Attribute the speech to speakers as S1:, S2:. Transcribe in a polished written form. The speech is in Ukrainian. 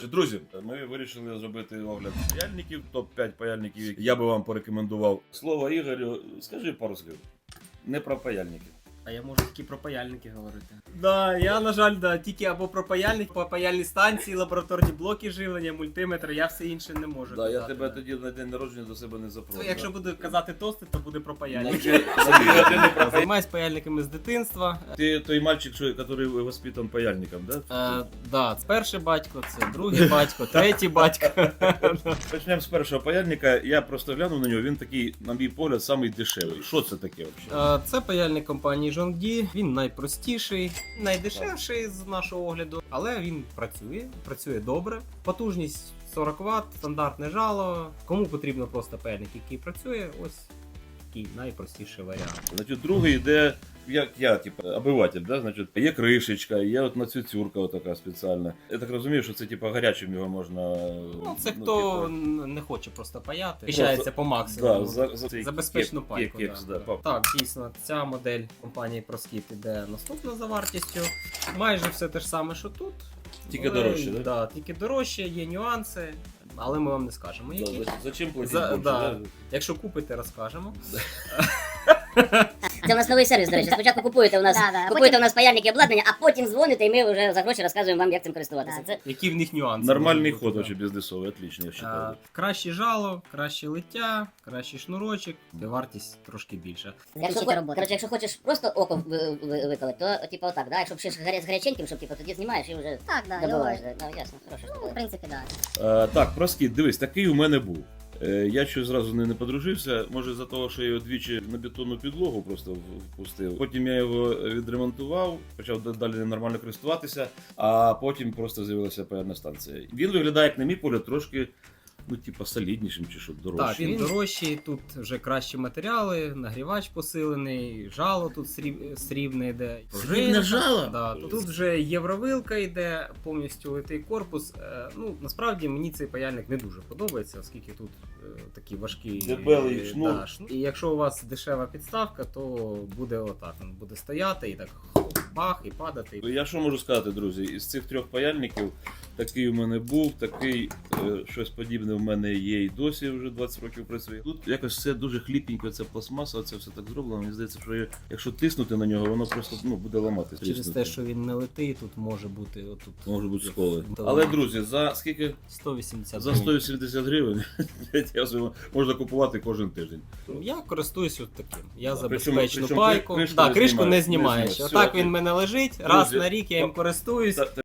S1: Друзі, ми вирішили зробити огляд паяльників, топ-5 паяльників, які я би вам порекомендував. Слово Ігорю, скажи пару слів. Не про паяльники.
S2: А я можу тільки про паяльники говорити. Да, я, на жаль, тільки або про паяльник, по паяльній станції, лабораторні блоки живлення, мультиметр, я все інше не можу казати.
S1: Я тебе тоді на день народження до себе не запрошую.
S2: Якщо буду казати тости, то буде про паяльники. Займаюсь паяльниками з дитинства.
S1: Ти той мальчик, який воспитан паяльником, да?
S2: Да, це перший батько, це другий батько, третій батько.
S1: Почнемо з першого паяльника. Я просто глянув на нього, він такий, на мій погляд, самий дешевий. Що це таке взагалі?
S2: Це паяльник компанії Жонгді, він найпростіший, найдешевший з нашого огляду, але він працює добре. Потужність 40 Вт, стандартне жало. Кому потрібно просто паяльник, який працює, ось такий найпростіший варіант.
S1: Значить, другий йде, як я, типу, обиватель, да? Значить, є кришечка, є от нацюцюрка така спеціальна. Я так розумію, що це типу гарячим його можна...
S2: Ну, це хто не хоче просто паяти, піщається по максимуму.
S1: Да,
S2: за безпечну пайку.
S1: Да.
S2: Так, дійсно, ця модель компанії ProSkip іде наступна за вартістю. Майже все те ж саме, що тут.
S1: Тільки дорожче, так?
S2: Да, тільки дорожче, є нюанси, але ми вам не скажемо які.
S1: Да, зачем платити більше?
S2: Да. Якщо купите, розкажемо.
S3: Це у нас новий сервіс, до речі. Спочатку купуєте у нас паяльники і обладнання, а потім дзвоните, і ми вже за гроші розказуємо вам, як цим користуватися. Це
S2: Які в них нюанси?
S1: Нормальний ход, вообще бізнесовий, отлично, я вважаю.
S2: Краще жало, краще лиття, кращий шнурочок, і вартість трошки більша.
S3: Якщо хочеш просто око виколити, то типу отак, да? Якщо ще з гаряченьким, щоб типу, тоді знімаєш і вже добиваєш. Ясно, хорошо.
S4: В принципі, так.
S1: Так, ProSkip, дивись, такий у мене був. Я щось зразу не подружився, може за того, що я його двічі на бетонну підлогу просто впустив. Потім я його відремонтував, почав далі нормально користуватися, а потім просто з'явилася паяльна станція. Він виглядає, як на мій погляд, трошки, ну, типа, соліднішим чи що, дорожчим.
S2: Так, він дорожчий, тут вже кращі матеріали, нагрівач посилений, жало тут срібне йде.
S1: Срібне жало?
S2: Да, тут вже євровилка йде, повністю литий корпус. Ну, насправді мені цей паяльник не дуже подобається, оскільки тут такі важкі
S1: дебелий шнур.
S2: Да, і якщо у вас дешева підставка, то буде отак, він буде стояти і так бах, і падати.
S1: Я що можу сказати, друзі, із цих трьох паяльників такий у мене був, такий щось подібне в мене є і досі, вже 20 років працює. Тут якось все дуже хліпенько, це пластмаса, це все так зроблено. Мені здається, що якщо тиснути на нього, воно просто буде ламатися.
S2: Через те, що він не литий, тут може бути отут.
S1: Можуть бути сколи. Але, друзі, за скільки?
S2: 180
S1: За 180 гривень можна купувати кожен тиждень.
S2: Я користуюсь от таким. Я за
S1: Причому
S2: безпечну пайку.
S1: кришку
S2: Так, кришку не
S1: не
S2: знімаєш.
S1: знімаєш.
S2: Отак
S1: Все,
S2: він в мене лежить, раз
S1: друзі,
S2: на рік я їм користуюсь.